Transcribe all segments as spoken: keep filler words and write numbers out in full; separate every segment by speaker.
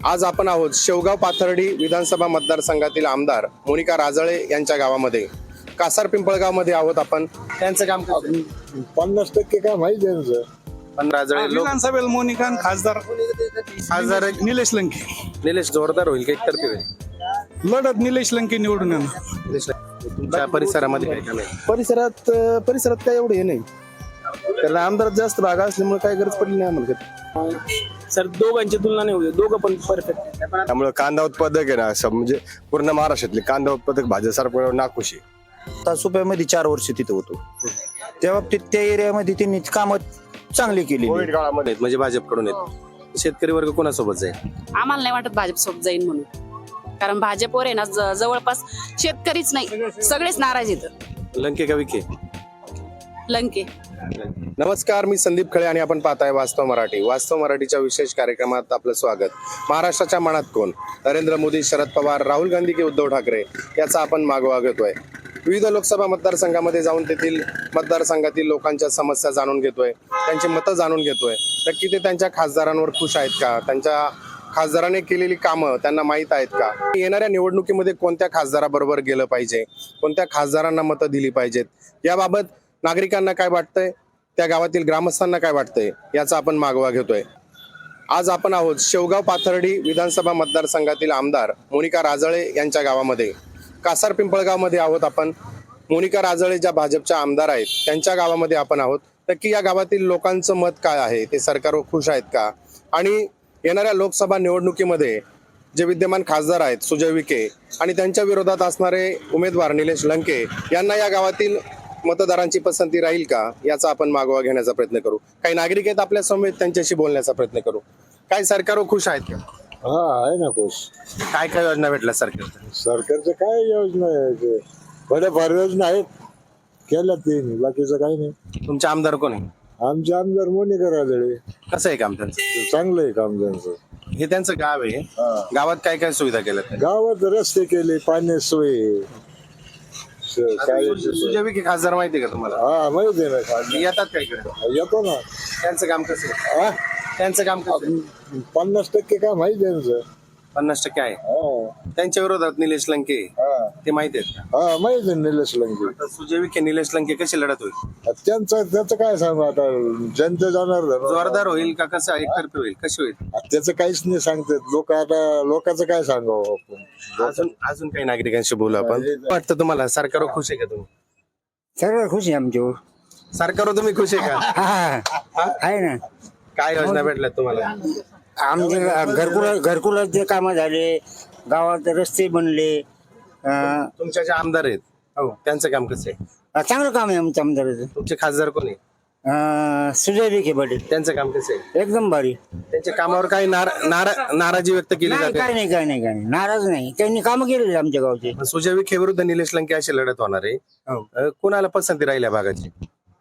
Speaker 1: आज आपण आहोत शेवगाव पाथर्डी विधानसभा मतदारसंघातील आमदार मोनिका राजळे यांच्या गावामध्ये. कासार पिंपळगाव मध्ये आहोत आपण. त्यांचं काम
Speaker 2: पन्नास टक्के काम आहे त्यांचं.
Speaker 1: पण राजळे लोक
Speaker 3: विधानसभेला मोनिका आणि खासदार
Speaker 1: खासदार
Speaker 3: निलेश लंके.
Speaker 1: निलेश जोरदार होईल की एकतर्फी होईल?
Speaker 3: लढत निलेश लंके निवडून येणार.
Speaker 1: निलेश, तुमच्या परिसरामध्ये काय काम आहे?
Speaker 4: परिसरात परिसरात काय एवढं हे नाही, त्याला आमदारात जास्त भाग असल्यामुळे काय गरज पडली नाही आम्हाला.
Speaker 5: सर दोघांची तुलना नाही होती, दोघं पण परफेक्ट.
Speaker 2: त्यामुळे कांदा उत्पादक आहे ना, असं म्हणजे पूर्ण महाराष्ट्रातले कांदा उत्पादक भाज्या सरकार नाखुश आहे.
Speaker 4: तासुप्यामध्ये चार वर्ष तिथे होतो, त्या बाबतीत त्या एरियामध्ये त्यांनी कामं चांगली केली.
Speaker 2: कोविड काळामध्ये
Speaker 1: म्हणजे भाजपकडून येत. शेतकरी वर्ग कोणासोबत जाईल?
Speaker 6: आम्हाला नाही वाटत भाजप सोबत जाईल म्हणून, कारण भाजपवर आहे ना ज- जवळपास शेतकरीच नाही सगळेच नाराज आहेत.
Speaker 1: लंके का विखे?
Speaker 6: लंके.
Speaker 1: नमस्कार, मी संदीप खळे आणि आपण पाहताय वास्तव मराठी. वास्तव मराठीच्या विशेष कार्यक्रमात आपलं स्वागत. महाराष्ट्राच्या मनात कोण? नरेंद्र मोदी, शरद पवार, राहुल गांधी की उद्धव ठाकरे याचा आपण मागोवा घेतोय. विविध लोकसभा मतदारसंघामध्ये जाऊन तेथील मतदारसंघातील लोकांच्या समस्या जाणून घेतोय, त्यांची मतं जाणून घेतोय. नक्की ते त्यांच्या खासदारांवर खुश आहेत का? त्यांच्या खासदाराने केलेली कामं त्यांना माहीत आहेत का? येणाऱ्या निवडणुकीमध्ये कोणत्या खासदाराबरोबर गेलं पाहिजे, कोणत्या खासदारांना मतं दिली पाहिजेत, याबाबत नागरिकांना काय वाटतंय, त्या गावातील ग्रामस्थांना काय वाटतंय, याचा आपण मागोवा घेतोय. आज आपण आहोत शेवगाव पाथर्डी विधानसभा मतदारसंघातील आमदार मोनिका राजळे यांच्या गावामध्ये. कासार पिंपळगाव मध्ये आहोत आपण. मोनिका राजळे ज्या भाजपच्या आमदार आहेत त्यांच्या गावामध्ये आपण आहोत. नक्की या गावातील लोकांचं मत काय आहे, ते सरकारवर खुश आहेत का? आणि येणाऱ्या लोकसभा निवडणुकीमध्ये जे विद्यमान खासदार आहेत सुजय विखे आणि त्यांच्या विरोधात असणारे उमेदवार निलेश लंके यांना या गावातील मतदारांची पसंती राहील का, याचा आपण मागोवा घेण्याचा प्रयत्न करू. काही नागरिक आहेत आपल्या समोर, त्यांच्याशी बोलण्याचा प्रयत्न करू. काय सरकारवर खुश आहेत का?
Speaker 2: हा आहे ना खुश.
Speaker 1: काय काय योजना भेटल्या सरकार?
Speaker 2: सरकारचं काय योजना आहे ते? बऱ्याफार योजना आहेत, केल्या त्यांनी, बाकीचं काही नाही.
Speaker 1: तुमचे आमदार कोण आहे?
Speaker 2: आमचे आमदार मोनिका राजळे.
Speaker 1: कसं आहे काम त्यांचं?
Speaker 2: चांगलं आहे काम त्यांचं.
Speaker 1: हे त्यांचं गाव आहे. गावात काय काय सुविधा केल्या?
Speaker 2: गावात रस्ते केले, पाण्याची सोय आहे. स- काय
Speaker 1: सुजय विखे खासदार माहिती आहे का तुम्हाला?
Speaker 2: हा माहिती आहे ना खाली.
Speaker 1: येतात काय इकडे?
Speaker 2: येतो ना.
Speaker 1: त्यांचं काम कसं आहे?
Speaker 2: हा
Speaker 1: त्यांचं काम कसं आहे?
Speaker 2: पन्नास टक्के काम आहे त्यांचं.
Speaker 1: पन्नास टक्के आहे.
Speaker 2: हा
Speaker 1: त्यांच्या विरोधात निलेश लंके
Speaker 2: हा
Speaker 1: ते माहिती आहेत का?
Speaker 2: हा माहिती आहे निलेश लंके.
Speaker 1: तर सुजय विखे निलेश लंके कशी लढत होईल?
Speaker 2: त्यांचं त्याचं काय सांगू आता, जनता जाणार ना.
Speaker 1: जोरदार होईल का कसं एकतर्फी होईल, कशी होईल?
Speaker 2: त्याचं काहीच नाही सांगतात लोक. आता लोकांचं काय सांगावं आपण.
Speaker 1: अजून अजून काही नागरिकांशी बोलू आपण. वाटतं तुम्हाला सरकारवर खुश आहे का तुम्ही?
Speaker 7: सर्व खुश आहे आमच्यावर.
Speaker 1: सरकारवर तुम्ही खुश आहे का?
Speaker 7: हा आहे ना.
Speaker 1: काय योजना भेटल्या तुम्हाला?
Speaker 7: आमचे घरकुल घरकुलाचे कामं झाले, गावात रस्ते बनले. अं,
Speaker 1: तुमच्या जे आमदार आहेत हो त्यांचं काम कसं आहे?
Speaker 7: चांगलं काम आहे आमच्या आमदाराचं.
Speaker 1: तुमचे खासदार कोण आहे?
Speaker 7: अं, सुजय विखे पाटील
Speaker 1: त्यांचं काम कसं आहे?
Speaker 7: एकदम भारी.
Speaker 1: त्यांच्या कामावर काही नारा- नारा- नाराजी व्यक्त केली
Speaker 7: नाही
Speaker 1: जाते?
Speaker 7: काय नाही काय नाही काय नाही नाराज नाही. त्यांनी कामं केलेली आमच्या गावचे.
Speaker 1: सुजय विखे विरुद्ध निलेश लंके अशी लढत होणार आहे. अं, कुणाला पसंती राहील या भागाची?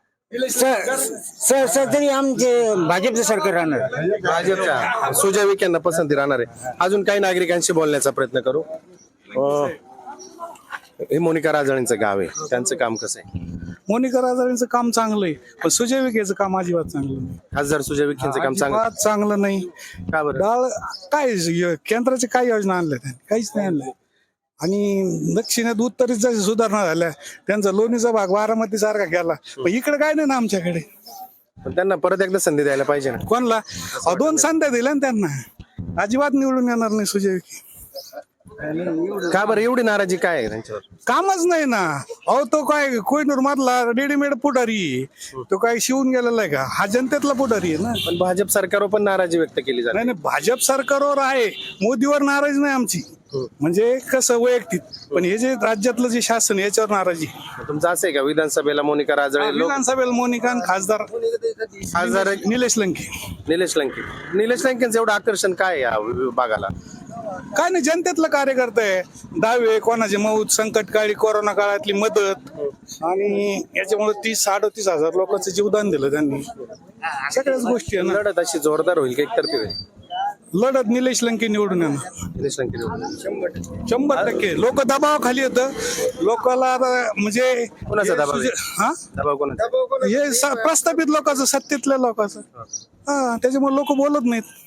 Speaker 7: सर तरी आमचे भाजपचं सरकार राहणार.
Speaker 1: भाजपच्या सुजय विखेंना पसंती राहणार आहे. अजून काही नागरिकांशी बोलण्याचा प्रयत्न करू. अं, हे मोनिका राजळेंचं गाव आहे, त्यांचं काम कसं आहे?
Speaker 3: मोनिका राजळेंचं काम चांगलं आहे, पण सुजय विखेचं काम अजिबात चांगलं नाही.
Speaker 1: खासदार सुजय विखेंचं काम चांगलं
Speaker 3: अजिबात चांगलं नाही.
Speaker 1: का बरं?
Speaker 3: डाळ काय य- केंद्राचे काय योजना आणल्या त्यांनी? काहीच नाही आणलंय. आणि दक्षिणेत उत्तरेत जशी सुधारणा झाल्या, त्यांचा लोणीचा भाग बारामती सारखा केला, पण इकडे काय नाही ना आमच्याकडे.
Speaker 1: पण त्यांना परत एकदा संधी द्यायला पाहिजे ना.
Speaker 3: कोणला अहो, दोन संध्या दिल्या ना त्यांना, अजिबात निवडून येणार नाही सुजय विखे.
Speaker 1: का बरं एवढी नाराजी काय आहे त्यांच्यावर?
Speaker 3: कामच नाही ना. अहो तो काय कोहिनूर मधला रेडीमेड पुढारी आहे. तो काय शिवून गेलेला आहे का? हा जनतेतला पुढारी आहे ना.
Speaker 1: पण भाजप सरकारवर पण नाराजी व्यक्त केली जाते.
Speaker 3: नाही नाही, भाजप सरकारवर आहे, मोदीवर नाराज नाही आमची. म्हणजे कसं वैयक्तिक, पण हे जे राज्यातलं जे शासन याच्यावर नाराजी.
Speaker 1: तुमचं असं आहे का विधानसभेला मोनिका राजळे लोक
Speaker 3: विधानसभेला मोनिका आणि खासदार
Speaker 1: खासदार
Speaker 3: निलेश लंके.
Speaker 1: निलेश लंके निलेश लंकेंचं एवढं आकर्षण काय आहे या भागाला?
Speaker 3: काय नाही, जनतेतलं कार्यकर्ता आहे. दावे कोणाचे मौत, संकटकाळी कोरोना काळातली मदत, आणि याच्यामुळे तीस अडतीस हजार लोकांचं जीवदान दिलं त्यांनी. सगळ्याच गोष्टी आहे ना.
Speaker 1: लढत अशी जोरदार होईल की एकतर्फी होईल?
Speaker 3: लढत निलेश लंके निवडून येणार
Speaker 1: निलेश लंके निवडून.
Speaker 3: शंभर टक्के. लोक दबावाखाली येतं लोकांना. आता म्हणजे
Speaker 1: कोणाचा दबाव आहे?
Speaker 3: हा
Speaker 1: दबाव कोणाचा?
Speaker 3: हे स- प्रस्थापित लोकांचं, सत्तेतल्या लोकांचं. हा त्याच्यामुळे लोक बोलत नाहीत.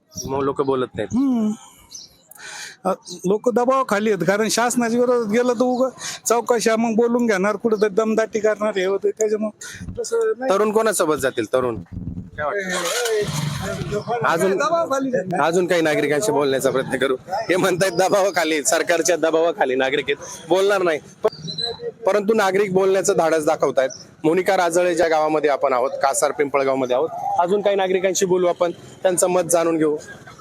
Speaker 1: मग लोक बोलत नाहीत.
Speaker 3: लोक दबाव खाली आहेत कारण शासनाच्या विरोधात गेलं तर उग चौकशा मग बोलून घेणार कुठं तर दमदाटी करणार हे होतं त्याच्यामुळे तसं नाही.
Speaker 1: तरुण कोणासोबत जातील तरुण काय वाटतं? अजून अजून काही नागरिकांशी बोलण्याचा प्रयत्न करू. हे म्हणतायत दबावाखाली, सरकारच्या दबावाखाली नागरिक आहेत, बोलणार नाही. प- परंतु नागरिक बोलण्याचं धाडस दाखवतायत. मोनिका राजळे ज्या गावामध्ये आपण आहोत, कासार पिंपळगाव मध्ये आहोत, अजून काही नागरिकांशी बोलू आपण, त्यांचं मत जाणून घेऊ.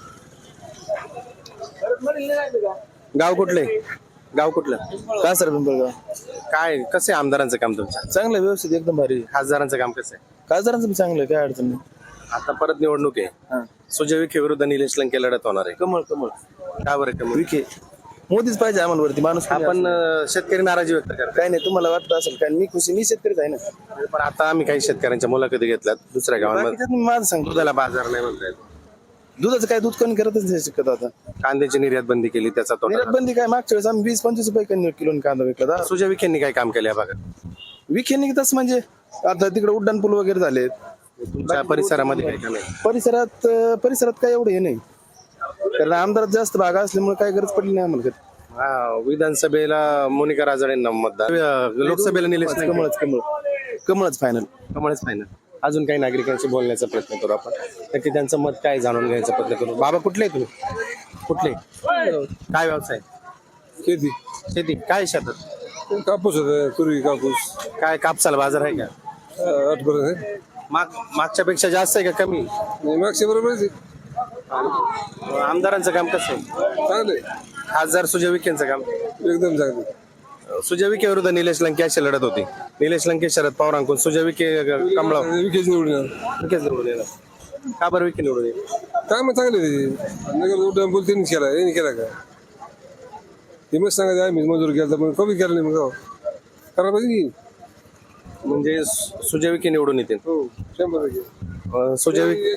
Speaker 1: गाव कुठले? गाव कुठलं?
Speaker 4: का सर पिंपळगाव
Speaker 1: काय कसं आहे आमदारांचं काम तुमचं?
Speaker 4: चांगलं व्यवस्थित एकदम भारी.
Speaker 1: खासदारांचं काम कसं आहे?
Speaker 4: खासदारांचं बी चांगलं आहे, काय अडचण नाही.
Speaker 1: आता परत निवडणूक आहे. सुजय विखे विरुद्ध निलेश लंके लढत होणार आहे.
Speaker 4: कमळ कमळ
Speaker 1: का बरं कमी?
Speaker 4: विखे मोदीच पाहिजे आम्हाला वरती. माणूस कोणी
Speaker 1: आपण अं, शेतकरी नाराजी व्यक्त करतो.
Speaker 4: काय नाही, तुम्हाला वाटत असेल काय मी खुशी, मी शेतकरीच आहे ना.
Speaker 1: पण आता आम्ही काही शेतकऱ्यांच्या मुलाखती घेतल्यात दुसऱ्या गावांमध्ये.
Speaker 4: बाकीच्यात मी माझं सांगतो,
Speaker 1: दुधाला बाजार नाही म्हणतायत.
Speaker 4: दुधाचं काय दूध कमी करतच नाही शकत आता.
Speaker 1: कांद्याची निर्यात बंदी केली, त्याचा तोटा
Speaker 4: निर्यात बंदी काय, मागच्या वेळेस आम्ही वीस पंचवीस रुपये कमी किलो कांदा विकला.
Speaker 1: झाला. सुजय विखेंनी काय काम केलं या भागात?
Speaker 4: विखेनी तसं म्हणजे आता तिकडे उड्डाण पूल वगैरे झालेत.
Speaker 1: तुमच्या परिसरामध्ये काय काम आहे?
Speaker 4: परिसरात अं, परिसरात काय एवढं हे नाही, कारण आमदारात जास्त भागा असल्यामुळे काय गरज पडली नाही आम्हाला.
Speaker 1: हा, विधानसभेला मोनिका राजळेंना मतदान, अं, लोकसभेला निलेश लंके.
Speaker 4: कमळच कमळ कमळच फायनल.
Speaker 1: कमळच नाही ना. अजून काही नागरिकांशी बोलण्याचा प्रयत्न करू आपण, नक्की त्यांचं मत काय जाणून घ्यायचा प्रयत्न करू. बाबा कुठले आहे तुम्ही? कुठले? काय व्यवसाय?
Speaker 2: शेती
Speaker 1: शेती. काय शेतात?
Speaker 2: कापूस होता पूर्वी, कापूस
Speaker 1: काय कापसाला बाजार आहे का?
Speaker 2: आठ पर्यंत आहे.
Speaker 1: माग मागच्या पेक्षा जास्त आहे का कमी?
Speaker 2: नाही, मागच्या बरोबर आहे.
Speaker 1: आमदारांचं काम कसं आहे?
Speaker 2: चांगले,
Speaker 1: खासदार सुजय विखेंचं काम?
Speaker 2: एकदम चांगले.
Speaker 1: सुजय विखे विरुद्ध निलेश लंके अशी लढत होती. निलेश लंके शरद पवारांकडून, सुजय विखे कमळाव.
Speaker 2: विकेच निवडून येणार.
Speaker 1: विखेच निवडून येणार. का बरं विखे निवडून येईल?
Speaker 2: काय मग चांगले त्याचे नगर उड्डाण पूल त्यांनी केला, यांनी केला का? ते मग सांगायचं आम्ही मजूर केला पण कमी केला नाही. मग करायला पाहिजे की.
Speaker 1: म्हणजे सु- सुजय विखे निवडून येतील.
Speaker 2: हो, शंभर टक्के.
Speaker 1: अं, सुजय विखे.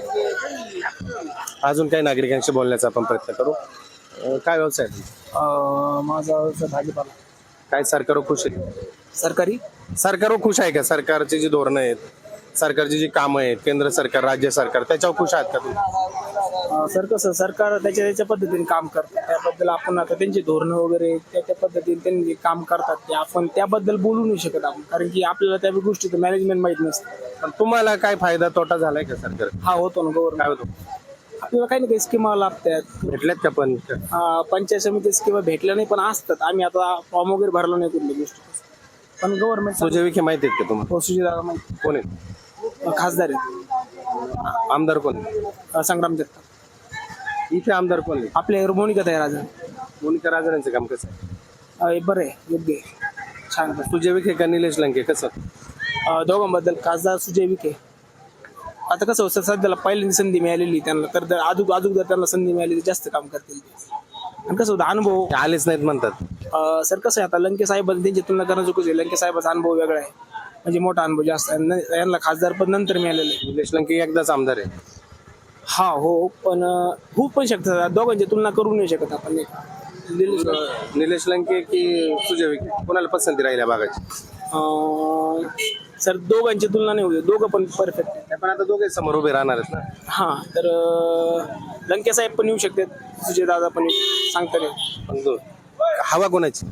Speaker 1: अजून काही नागरिकांशी बोलण्याचा आपण प्रयत्न करू. अं, काय व्यवसाय आहे तुमचा?
Speaker 5: माझा भाजीपाला
Speaker 1: काय सरकारवर खुश आहे?
Speaker 5: सरकारी
Speaker 1: सरकारवर खुश आहे का? सरकारची जी धोरणं आहेत, सरकारची जी कामं आहेत, केंद्र सरकार, राज्य सरकार, त्याच्यावर खुश आहात का तुम्ही?
Speaker 5: सर कसं सरकार त्याच्या त्याच्या पद्धतीने काम करतात, त्याबद्दल आपण आता त्यांची धोरणं वगैरे त्या त्या पद्धतीने त्यांनी जे काम करतात ते आपण त्याबद्दल बोलू नाही शकत आपण, कारण की आपल्याला त्या गोष्टीचं मॅनेजमेंट माहित नसतं.
Speaker 1: पण तुम्हाला काय फायदा तोटा झालाय का सरकार?
Speaker 5: हा होतो ना गव्हर्नमेंट,
Speaker 1: काय होतो?
Speaker 5: आपल्याला काही ना काही स्कीमा लागतात.
Speaker 1: भेटल्यात का पण?
Speaker 5: अं, पंचायत समिती स्कीमा भेटल्या नाही पण असतात. आम्ही आता फॉर्म वगैरे भरला नाही कुठल्या गोष्टी, पण गव्हर्नमेंट
Speaker 1: सुजय विखे माहिती आहेत का तुम्हाला?
Speaker 5: सुविधा माहिती.
Speaker 1: कोण आहेत?
Speaker 5: खासदार आहेत
Speaker 1: आमदार कोण आहेत?
Speaker 5: अं, संग्राम जगताप.
Speaker 1: इथे आमदार कोण आहे?
Speaker 5: आपल्या मोनिका तयार आज
Speaker 1: मोनिका राजळेंचं काम कसं आहे?
Speaker 5: बरं आहे, योग्य आहे, छान आहे.
Speaker 1: सुजय विखे का निलेश लंके कसं?
Speaker 5: अं, दोघांबद्दल खासदार सुजय विखे. आता कसं होतं सध्याला पहिल्यांदा संधी मिळालेली त्यांना, तर जर अजून अजून जर त्यांना संधी मिळाली तर जास्त काम करतील ते. आणि कसं होतं अनुभव
Speaker 1: ते आलेच नाहीत म्हणतात.
Speaker 5: अं, सर कसं आहे आता लंके साहेब त्यांची तुलना करणं चुकीचं आहे. लंके साहेबाचा अनुभव वेगळा आहे, म्हणजे मोठा अनुभव जास्त आहे. न- यांना खासदार पण नंतर मिळालेलं आहे.
Speaker 1: निलेश लंके एकदाच आमदार आहे.
Speaker 5: हा हो, पण अं, होऊ पण शकतं, दोघांची तुलना करू नाही शकत आपण. एक दिल्ली
Speaker 1: निलेश लंके की सुजय विखे, कोणाला पसंती राहिल्या भागाची?
Speaker 5: अं, सर दोघांची तुलना नाही होऊ, दोघं पण परफेक्ट आहे.
Speaker 1: पण आता दोघे समोर उभे राहणार आहेत ना.
Speaker 5: हा तर अं, लंके साहेब पण येऊ शकतात, सुजय दादा पण येऊ, सांगता नाही.
Speaker 1: पण दो- हवा कोणाची?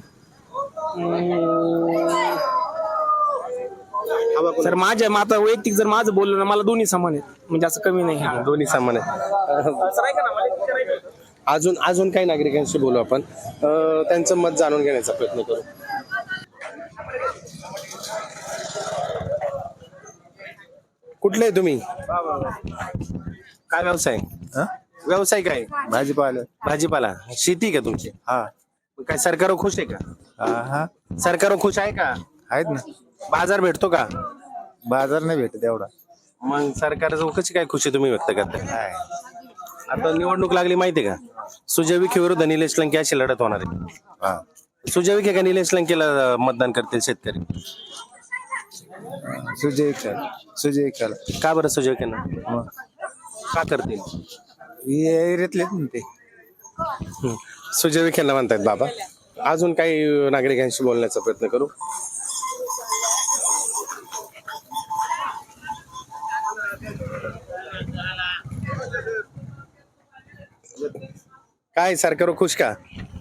Speaker 1: हवा कोण?
Speaker 5: सर माझ्या आता वैयक्तिक जर माझं बोललं ना, मला दोन्ही समान आहेत, म्हणजे असं कमी नाही. हा.
Speaker 1: दोन्ही समान आहे.
Speaker 5: सर ऐका ना, मला विचारायचं.
Speaker 1: अजून अजून काही नागरिकांशी बोलू आपण, अं, त्यांचं मत जाणून घेण्याचा प्रयत्न करू. कुठले आहे तुम्ही? काय व्यवसाय? व्यवसाय काय?
Speaker 4: भाजीपाला.
Speaker 1: भाजीपाला. शेती का तुमची?
Speaker 4: हा
Speaker 1: मग काय सरकारवर खुश आहे का?
Speaker 4: हा
Speaker 1: सरकारवर खुश आहे का?
Speaker 4: आहेत ना.
Speaker 1: बाजार भेटतो का?
Speaker 4: बाजार नाही भेटत एवढा.
Speaker 1: मग सरकारचं कशी काय खुशी तुम्ही व्यक्त करताय? आता निवडणूक लागली माहितीये का? सुजय विखे विरुद्ध निलेश लंके अशी लढत होणार आहे. सुजय विखे का निलेश लंकेला मतदान करतील शेतकरी?
Speaker 4: सुजय विखे. सुजय विखे.
Speaker 1: का बरं सुजय विखेंना? का करतील?
Speaker 4: एरियातलेच ना ते.
Speaker 1: हं. सुजय विखेंना म्हणतायत बाबा. अजून काही नागरिकांशी बोलण्याचा प्रयत्न करू. काय सरकारवर खुश का?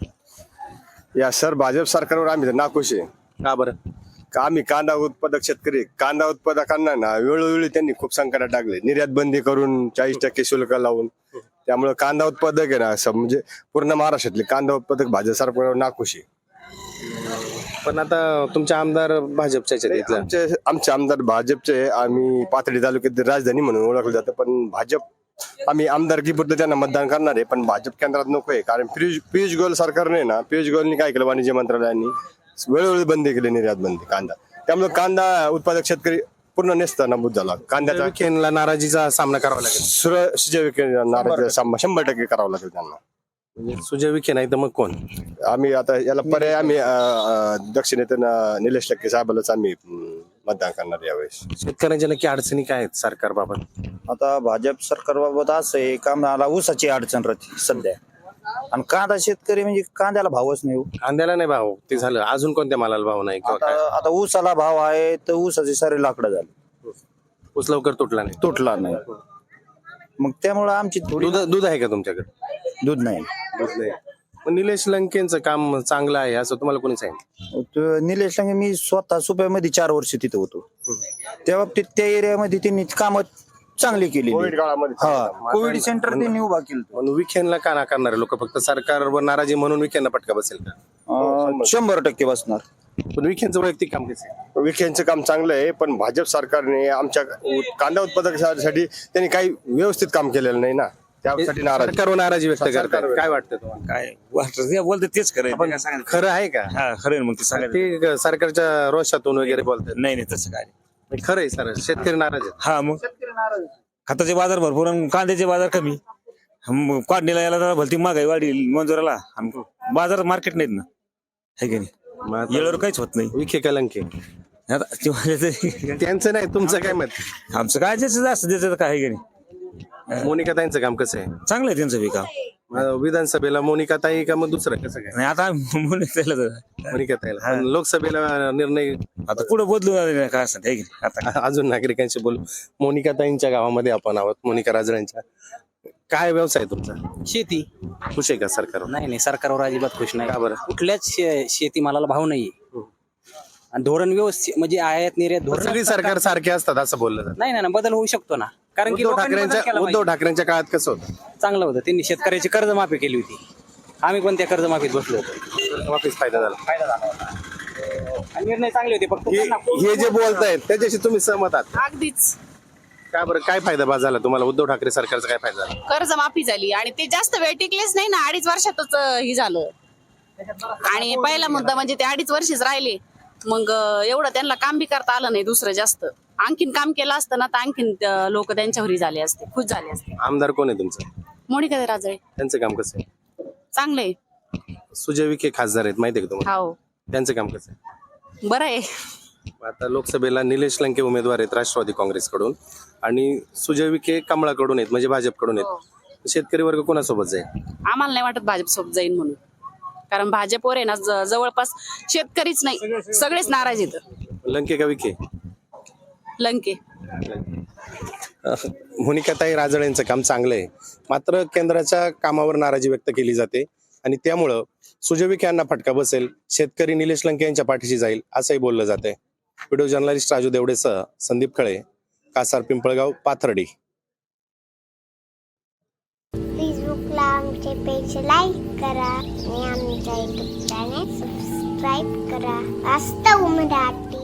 Speaker 8: या सर भाजप सरकारवर आम्ही तर नाखुश आहे.
Speaker 1: का बरं?
Speaker 8: का आम्ही कांदा उत्पादक शेतकरी कांदा उत्पादकांना ना वेळोवेळी त्यांनी खूप संकटात टाकले. निर्यात बंदी करून चाळीस टक्के शुल्क लावून, त्यामुळे कांदा उत्पादक आहे ना असं म्हणजे पूर्ण महाराष्ट्रातले कांदा उत्पादक भाजप सरकारवर नाखुश आहे.
Speaker 1: पण आता तुमचे आमदार भाजपच्याच आहेत इथलं.
Speaker 8: आमचे आमचे आमदार भाजपचे आहे. आम्ही पाथर्डी तालुक्यात राजधानी म्हणून ओळखलं जातं, पण भाजप आम्ही आमदारकीपुरतं त्यांना मतदान करणार आहे, पण भाजप केंद्रात नको आहे. कारण पियुष पियुष गोयल सरकारने ना पियुष गोयलनी काय केलं, वाणिज्य मंत्रालयाने वेळोवेळी बंदी केली निर्यात बंदी कांदा, त्यामुळे कांदा उत्पादक शेतकरी पूर्ण नेस्त नमूद झाला. कांद्याचा
Speaker 1: विखेंना नाराजीचा सामना करावा लागेल.
Speaker 8: सुर सुजय विखे नाराज शंभर टक्के करावं लागेल त्यांना.
Speaker 1: म्हणजे सुजय विखे नाही तर मग कोण?
Speaker 8: आम्ही आता याला पर्याय आम्ही अं, अं, दक्षिणेतून अं, निलेश लक्के साहेबालाच आम्ही अं, मतदान करणार यावेळेस.
Speaker 1: शेतकऱ्यांच्या नक्की अडचणी काय आहेत सरकारबाबत?
Speaker 9: आता भाजप सरकारबाबत असं आहे, कांद्याला ऊसाची अडचण राहते सध्या, आणि कांदा शेतकरी म्हणजे कांद्याला भावच नाही हो.
Speaker 1: कांद्याला नाही भाव, ते झालं. अजून कोणत्या मालाला भाव नाही किंवा
Speaker 9: आता
Speaker 1: काय?
Speaker 9: आता ऊसाला भाव आहे तर ऊसाचे सारे लाकडं झाले,
Speaker 1: ऊस लवकर तुटला नाही.
Speaker 9: तुटला नाही. मग त्यामुळं आमची थोडी
Speaker 1: दूध दूध आहे का तुमच्याकडे?
Speaker 9: दूध नाही.
Speaker 1: दूध नाही. पण निलेश लंकेंचं काम चांगलं आहे असं तुम्हाला कोणी सांगितलं?
Speaker 9: तो निलेश लंके, मी स्वतः सुप्यामध्ये चार वर्ष तिथे होतो, त्या बाबतीत त्या एरियामध्ये त्यांनी कामं चांगली केली.
Speaker 8: कोविड काळामध्ये
Speaker 9: हा, कोविड सेंटर त्यांनी उभा केलं.
Speaker 1: पण विखेंना का नाकारणारे लोक? फक्त सरकारवर नाराजी म्हणून विखेंना फटका बसेल का?
Speaker 9: अं, शंभर टक्के बसणार.
Speaker 1: पण विखेंचं वैयक्तिक काम कसं आहे?
Speaker 8: विखेंचं काम चांगलं आहे, पण भाजप सरकारने आमच्या कांदा उत्पादकांसाठी त्यांनी काही व्यवस्थित काम केलेलं नाही ना, त्यासाठी नाराज.
Speaker 1: सरकारवर नाराजी व्यक्त करतात. काय वाटतं तुम्हाला?
Speaker 10: काय वाटतं ते बोलतात तेच खरं आहे. ते काय सांगायचं?
Speaker 1: खरं आहे का?
Speaker 10: हा खरं आहे, मग ते सांगायचं
Speaker 1: ते सरकारच्या रोषातून वगैरे बोलतात.
Speaker 10: नाही नाही तसं काय नाही.
Speaker 1: खरं आहे सर, शेतकरी नाराज आहेत.
Speaker 10: हा मग खताचे बाजार भरपूर आणि कांद्याचे बाजार कमी. मग काढणीला यायला जरा भलती महागाई वाढील मंजुराला, आणि बाजार मार्केट नाहीत ना, है की नाही?
Speaker 1: मग आता
Speaker 10: येळवर काहीच होत नाही.
Speaker 1: विखे कलंके
Speaker 10: आता ते म्हणजे
Speaker 1: त्यांचं नाही, तुमचं काय मत?
Speaker 10: आमचं काय ज्याचं जास्त त्याचं काय आहे की नाही.
Speaker 1: मोनिका ताईंचं काम कसं आहे?
Speaker 10: चांगलं आहे त्यांचं बी काम.
Speaker 1: अं, विधानसभेला मोनिका ताई का मग दुसरं कसं काय?
Speaker 10: नाही आता म्हणून त्याला तर
Speaker 1: मोनिका ताईला. पण लोकसभेला निर्णय
Speaker 10: आता पुढे बदलू काय असं आहे की नाही. आता
Speaker 1: अजून नागरिकांशी बोलू. मोनिका ताईंच्या गावामध्ये आपण आहोत, मोनिका राजळ्यांच्या. काय व्यवसाय आहे तुमचा?
Speaker 11: शेती.
Speaker 1: खुश आहे का सरकारवर?
Speaker 11: नाही नाही, सरकारवर अजिबात खुश नाही.
Speaker 1: का बरं?
Speaker 11: कुठल्याच शे- शेतीमालाला भाव नाहीये, आणि धोरण व्यवस्थित म्हणजे आयात निर्यात धोरण
Speaker 1: सगळी सरकार सारखे असतात असं बोललं जातं.
Speaker 11: नाही ना, बदल होऊ शकतो ना, कारण की
Speaker 1: उद्धव
Speaker 11: लोकांनी बदल
Speaker 1: ठाकरेंच्या
Speaker 11: केला
Speaker 1: उद्धव
Speaker 11: पाहिजे.
Speaker 1: ठाकरेंच्या काळात कसं होतं?
Speaker 11: चांगलं होतं, त्यांनी शेतकऱ्याची कर्जमाफी केली होती, आम्ही पण त्या कर्जमाफीत बसलो होतो,
Speaker 1: वापिस फायदा झाला.
Speaker 11: फायदा झाला होता. आणि निर्णय चांगले होते. फक्त
Speaker 1: हे
Speaker 11: त्यांना खूप-
Speaker 1: हे जे बोलतायत त्याच्याशी तुम्ही सहमत आहात?
Speaker 6: अगदीच.
Speaker 1: का बरं, काय फायदा बा झाला तुम्हाला? उद्धव ठाकरे सरकारचा काय फायदा झाला?
Speaker 6: कर्ज माफी झाली आणि ते जास्त वेळ टिकलेच नाही ना, अडीच वर्षातच अं, हे झालं. आणि पहिला मुद्दा म्हणजे ते अडीच वर्षच राहिले, मग अं, एवढं त्यांना काम बी करता आलं नाही दुसरं जास्त. आणखीन काम केलं असतं ना तर आणखीन लोक त्यांच्यावरही झाले असते, खुश झाले असते.
Speaker 1: आमदार कोण आहे तुमचं?
Speaker 6: मोनिका राजळे
Speaker 1: त्यांचं काम कसं आहे?
Speaker 6: चांगले.
Speaker 1: सुजय विखे खासदार आहेत, माहिती आहे का तुम्हाला?
Speaker 6: हो,
Speaker 1: त्यांचं काम कसं आहे?
Speaker 6: बरं आहे.
Speaker 1: आता लोकसभेला निलेश लंके उमेदवार आहेत राष्ट्रवादी काँग्रेसकडून, आणि सुजय विखे कमळाकडून आहेत, म्हणजे भाजपकडून आहेत. शेतकरी वर्ग कोणासोबत जाईल?
Speaker 6: आम्हाला नाही वाटत भाजप सोबत जाईल म्हणून, कारण भाजपवर आहे ना ज- जवळपास शेतकरीच नाही, सगळेच नाराज आहेत.
Speaker 1: लंके का विखे?
Speaker 6: लंके.
Speaker 1: मोनिकाताई राजळ यांचं काम चांगलं आहे, मात्र केंद्राच्या कामावर नाराजी व्यक्त केली जाते, आणि त्यामुळं सुजय विखे यांना फटका बसेल, शेतकरी निलेश लंके यांच्या पाठीशी जाईल असंही बोललं जाते. व्हिडिओ जर्नलिस्ट राजू देवडेसह संदीप खळे, कासार पिंपळगाव, पाथर्डी.
Speaker 12: फेसबुकला आमचे पेज लाईक करा आणि आमच्या युट्यूब चॅनेल सबस्क्राईब करा. वास्तव मराठी.